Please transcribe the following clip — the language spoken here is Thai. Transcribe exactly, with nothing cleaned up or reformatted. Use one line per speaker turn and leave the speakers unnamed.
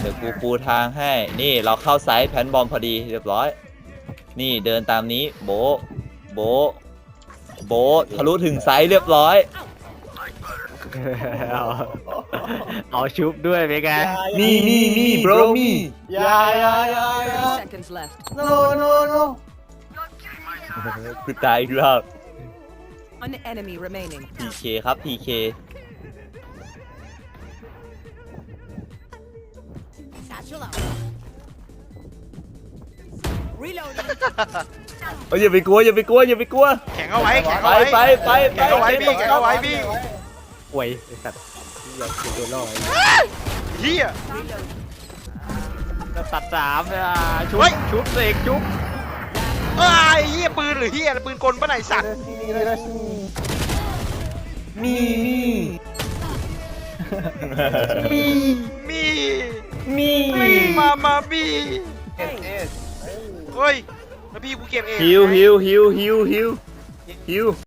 ดี๋ยวกูปูทางให้นี่เราเข้าไซส์แพนบอมพอดีเรียบร้อยนี่เดินตามนี้โบโบโบทะลุถึงไซส์เรียบร้อย
เอาเอาชุบด้วยเป็นไง
มีมีมี bro มี
อย่าอย่าอย่าอย่า
Thirty seconds left.
no no no
คือตายอีกรอบ
One enemy remaining.
พีเคครับ พีเค
Satchel out. Reloading.
เอ้ยอย่าไปกลัวอย่าไปกลัวอย่าไปกลัว
แข็งเอาไว้แข็ง
ไป
เอาไว้
ไปไปไป
แข็งเอาไว้พี่แข็งเอาไว้พี่
ป่วยไอ้สัตว์อยากจะโดนล่อไอ้
เฮีย
แล้วตัดสามเลยอ่ะชุบ
เฮ้ย
ชุบเสกชุบ
เอ้ยเฮียปืนหรือเฮียปืนกลปะไหนสัตว์
มีมี
มี
มี
มีมามามีเฮ้ยแล้วพี่กูเก็บเอง
ฮิวฮิวฮิวฮิวฮิวฮิว